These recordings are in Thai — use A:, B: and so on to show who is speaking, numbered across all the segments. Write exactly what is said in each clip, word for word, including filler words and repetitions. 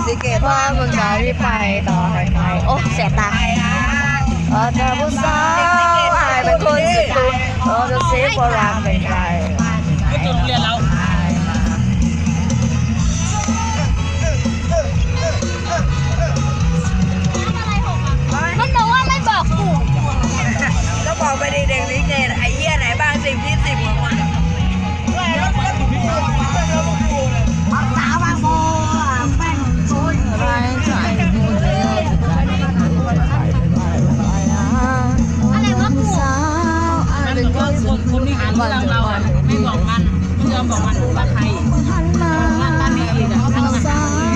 A: สิเกตว่ามึงจะรีบไปต่อไปไหนโอ้เสียตาเออจะผู้สาวอายเป็นคนสุดตัวเออจะเสียความรักเป็นใคร
B: ก็จุดเรียนแล้ว
C: มันบอกว่าไม่บอกกู
A: ก็บอกไปดิเด็กสิเกตไอ้เหี้ยไหนบ้างสิบยี่สิบกว่าคนสาวบางโบแม่งชุนไรใจกูเลย
C: อะไรวะกู
B: มันเป็นคนคนที่หาเรื่องเราอ่ะไม่บอกมันไม่ยอมบอกมันว่าใครมันตามนี้อีกอ่ะทั้งนั้น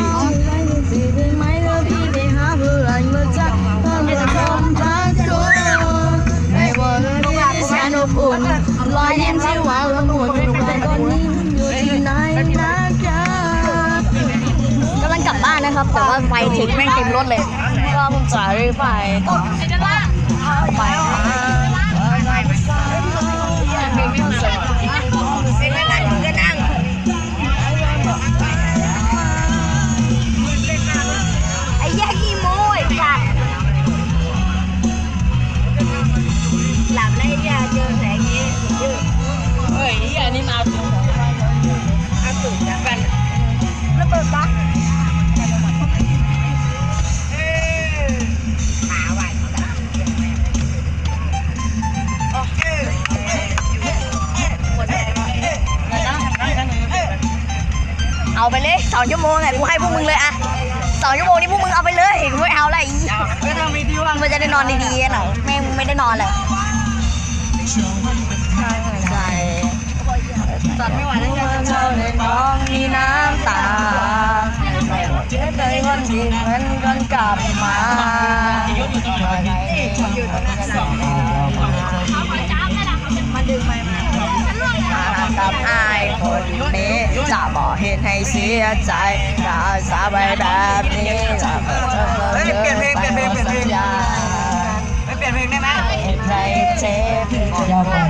A: ลอยยิ้มที่หวานละมุนหนุ่มแต่ตอนนี้อยู่ที่ไหนนะจ๊ะกำลังกลับบ้านนะครับแต่ว่าไฟถึงแม่งเต็มรถเลยก็มึงจ่ายไปต่อไป
C: ไอ้แยกอีโม่ไอ้จัดหลับได้ยาเจอแสงนี้
B: เฮ้ยอันนี้มาถึง
A: อาสุดนะกัน
C: ระเบิดปะเอาไปเลยสองชั่วโมงไงกูให้พวกมึงเลยอะสองชั่วโมงนี้พวกมึงเอาไปเลยกูไม่เอาอะไร
A: ก็ต้องมีที่ว่าง
C: มันจะได้นอนดีๆหน่อยไม่ไม่ได้นอนเลย
A: ใจจัดไม่ไหวแล้วเธอในน้องมีน้ำตาเจ็บใจวันที่มันกันกลับมามาดึงไปมากับอายคนนี้จะบอกเหตุให้เสียใจจะสาบายแบบนี้จะเปลี่ยนเพลงเปลี่ยนเพลงเปลี่ยนเพลงไม่เปลี่ยนเพลงได้ไหมใจเจ็บอย่าบอก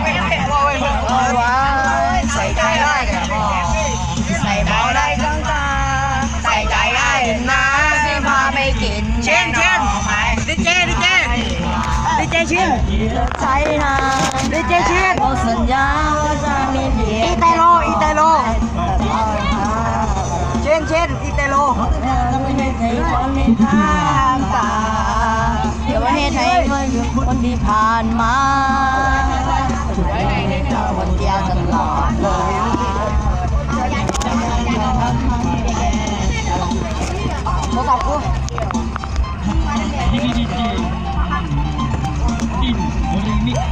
A: ว่าใส่ใจได้แต่บอกใส่เบาได้จังตาใส่ใจได้นะที่พาไปกินเช่นเช่นดิเจดิเจดิเจชินใจนะดิเจชินสัญญาว่าจะมีเพียงอีเตโลอีเตโลเช่นเช่นอีเตโลจะไม่ให้ใครคนมีทางตาจะไม่ให้ใครคนที่ผ่านมาคนเดียวตลอดเลยโทรศัพท์กู
B: ดีดีดีดีดินโมลินิก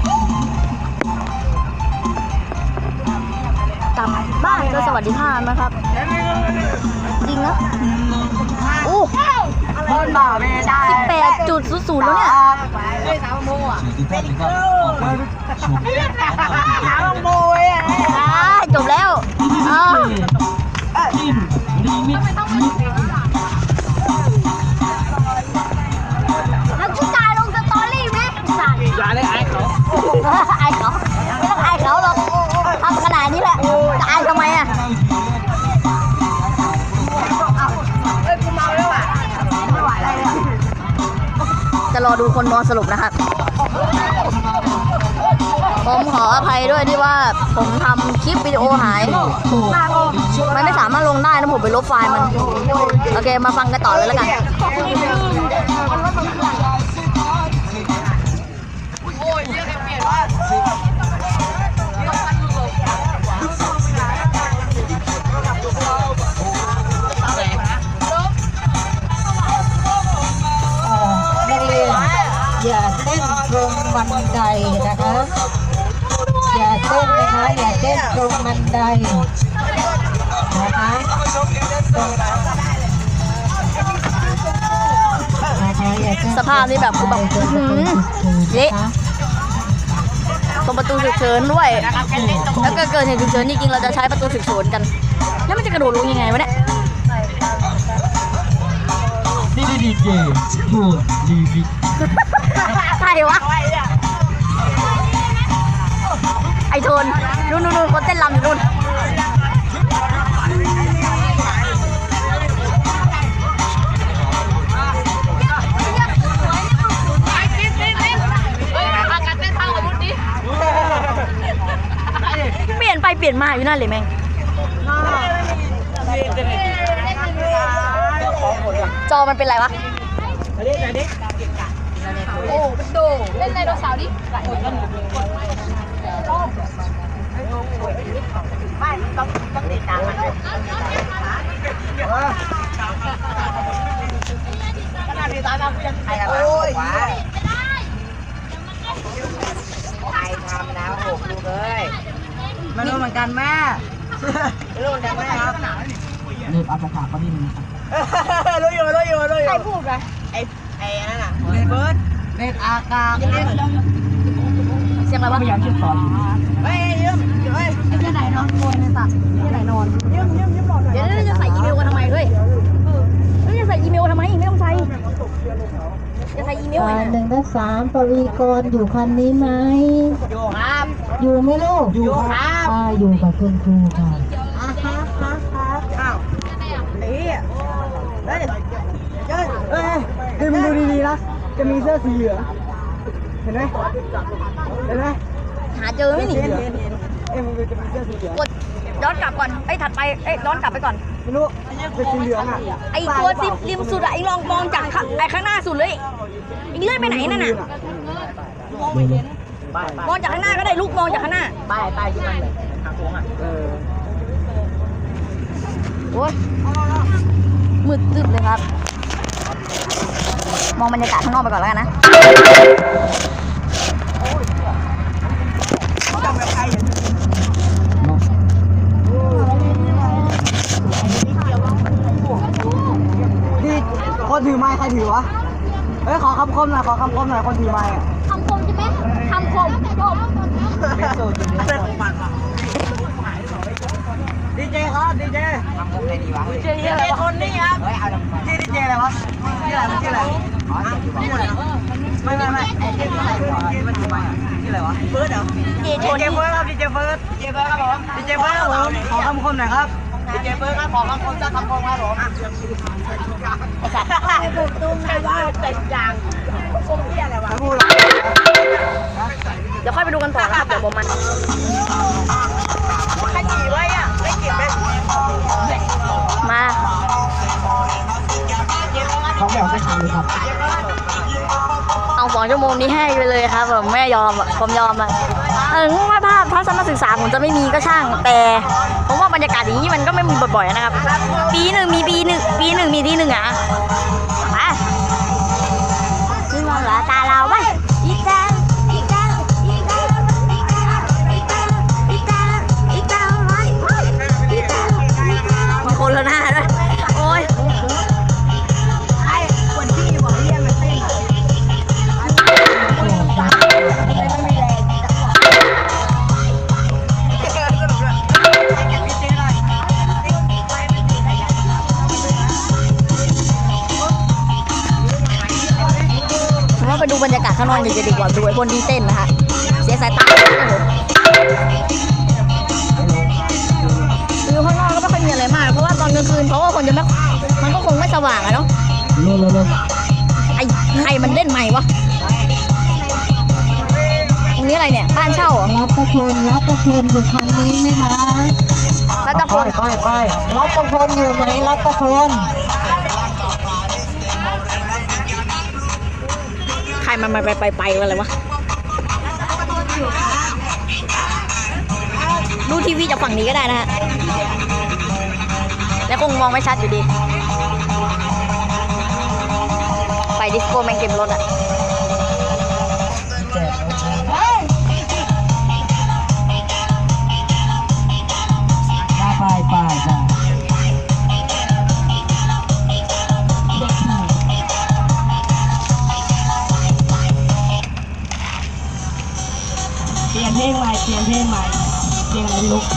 C: กลับบ้านก็สวัสดิภาพนะครับจริงนะอู้
A: คนบ่าไม่ได้
C: สิบแปดจุดศูนย์ศูนย์แล้วเนี่ย
A: ไม่สาวโมอ่ะเป็นครูสาวโมอ่ะ
C: จบแล้วอ๋อ
B: ดินโมลินิก
C: แล้วชุดตายลงสตอรี่ไหมสั่ง
B: อย่าเลยไอ้เขา
C: ไอ้เขาไม่ต้องไอ้เขาหรอกทำขนาดนี้แหละจะไอ้ทำไมอ่ะ
A: เฮ้ยกูเมาแล้วอ่ะไม่ไหวอะไรเลย
C: จะรอดูคนนอนสรุปนะครับผมขออภัยด้วยที่ว่าผมทำคลิปวิดีโอหายมันไม่สามารถลงได้นะผมไปลบไฟล์มันโอเคมาฟังกันต่อเลยแล้วกัน
A: อย่าเต้นตรงบันไดนะคะอย่าเต้นนะคะอย่าเต้นตรงบันไดนะคะ
C: สภาพนี่แบบคือแบบเละตรงประตูฉุกเฉินด้วยแล้วก็เกิดเหตุฉุกเฉินจริงๆเราจะใช้ประตูฉุกเฉินกันแล้วมันจะกระโดดลงยังไงวะเนี่ย
B: นี่ดีเจพูดดีดี
C: ใครวะไอโทนนู่นนู่นคนเต้นรำอยู่นู่นอยู่นั่นเลยแม่งจอมันเป็นไรวะโอ้เป็นโดเล่นไดโนเสาร์ดิไม่ต้องต้องติดตามมันขนาดที่ตามเรายังไอ้อะไรวะไอ้ทำแล้วหกลูกเลยไม่รู้เหมือนกันแม่ไม่รู้เหมือนกันแม่ครับเน็ตอัปขาก็นี่นึงรู้อยู่รู้อยู่รู้อยู่ใครพูดอะไอ้ไอ้นั่นน่ะเน็ตเบิร์ดเน็ตอากาศเสียงอะไรวะพยายามเชื่อมต่ออยู่เฮ้ยยืมเฮ้ยไอ้ที่ไหนนอนโวยในสัตว์ที่ไหนนอนยืมยืมยืมหลอดเดี๋ยวจะใส่อีเมลกันทำไมด้วยเฮ้ยจะใส่อีเมลทำไมไม่ต้องใส่จะใส่อีเมลไง
D: หนึ่งและสามปวีกรอยู่คันนี้ไหม
C: อยู่ครับ
D: อยู่ไหมลูก
C: อยู่ครับ
D: อ่าอยู่กับคุณครูค่ะ
A: อ่ะครับครับครับอ้าวไอ้เหี้ยเฮ้ยเฮ้ยเฮ้ยดูมึงดูดีๆนะจะมีเสื้อสีเหลืองเห็นไหมเห็นไหม
C: หาเจอไหมนี่
A: เห็นเห็นเห็นเอ้ยมึงดูจะมีเสื้อสีเหลือง
C: กดย้อนกลับก่อนไอ้ถัดไปเอ้ยย้อนกลับไปก่อน
A: ไม่รู้เป็นสีเหลืองอ่ะ
C: ไอ้ตัวริมริมสุดอะไอ้ลองมองจากข้างไอ้ข้างหน้าสุดเลยไอ้เลื่อนไปไหนนั่นน่ะมองจากข้างหน้าก็ได้ลูกมองจากข้างหน้าป้ายป้ายที่มันแบบทางโค้งอ่ะเออโอ้ยมืดตึ๊บเลยครับมองบรรยากาศข้างนอกไปก่อนแล้วกันนะ
A: นี่คนถือไม้ใครถือวะเฮ้ยขอคำคมหน่อยขอคำคมหน่อยคนถือไม้อะ
C: คำคมใช่ไหมคำคมจบ
A: ดีเจครับดีเจทำคมไหนดีวะดีเจอะไรวะคนนี้ครับชื่อดีเจอะไรวะชื่ออะไรมันชื่ออะไรอ๋อชื่ออะไรไม่ไม่ไม่ไอ้ชื่ออะไรมันชื่ออะไรชื่ออะไรวะเฟิร์สเหรอดีเจเฟิร์สครับดีเจเฟิร์สดีเจเฟิร์สครับผมดีเจเฟิร์สครับผมขอคำคมหน่อยครับดีเจเฟิร์สครับขอคำคมสักคำคมครับผมไอ้สัตว์ไอ้บุกตุ้มไอ้ว่าเต็มยางคมที่อะไรวะพูด
C: เดี๋ยวค่อยไปดูกันต่อนะครับเดี๋ยวผมมัน
A: ใครจีไว้อะไม่กินไหม
C: มา
A: เขาแบบไม่ทำเลยครับ
C: เอาสองชั่วโมงนี้ให้ไปเลยครับผมไม่ยอมอ่ะผมยอมอ่ะถึงว่าภาพทัศนศึกษาผมจะไม่มีก็ช่างแต่ผมว่าบรรยากาศอย่างนี้มันก็ไม่มีบ่อยๆนะครับปีหนึ่งมีปีหนึ่งปีหนึ่งมีที่หนึ่งอ่ะมาซึ่งมองเหลือตาเราไว้อีกแก้วอีกแก้วอีกแก้วอีกแก้วอีกแก้วอีกแก้วอีกแก้วไว้อีกแก้วมาคนละหน้าด้วยโอ้ยไอ้คนที่บอกเรียกมันเต้นไปดูบรรยากาศข้างนอกจะดีกว่าดูไอ้คนที่เต้นนะฮะเสียสายตาดูข้างนอกก็ไม่ค่อยมีอะไรมากเพราะว่าตอนกลางคืนเพราะว่าคนจะไม่มันก็คงไม่สว่างอะเนาะไอ้ใครมันเล่นใหม่วะตรงนี้อะไรเนี่ยบ้านเช่าเหรอ
D: รับประพลรับประพลอยู่คันนี้ไหมคะ
C: รัตพล
D: ไปไปรับประพลอยู่ไหมรับประพล
C: ใครมันไปไปไปอะไรวะดูทีวีจากฝั่งนี้ก็ได้นะฮะแล้วคงมองไม่ชัดอยู่ดีไฟดิสโก้แมงเก็บรถอะ
D: ไปไปไปเปลี่ยนเพลงใหม่เปลี่ยนเพลงใหม่เพลงอะไรลูก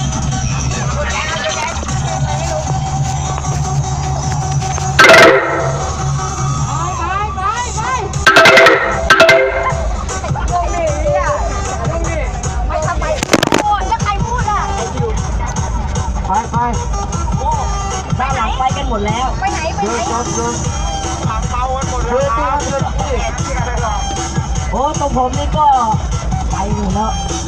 D: ไปไปด้านหลังไปกันหมดแล้ว
C: ไปไหนไปไหน
D: เดินเดินทางเบากันหมดแล้วเดินเดินโอ้ตรงผมนี่ก็ไปอยู่แล้ว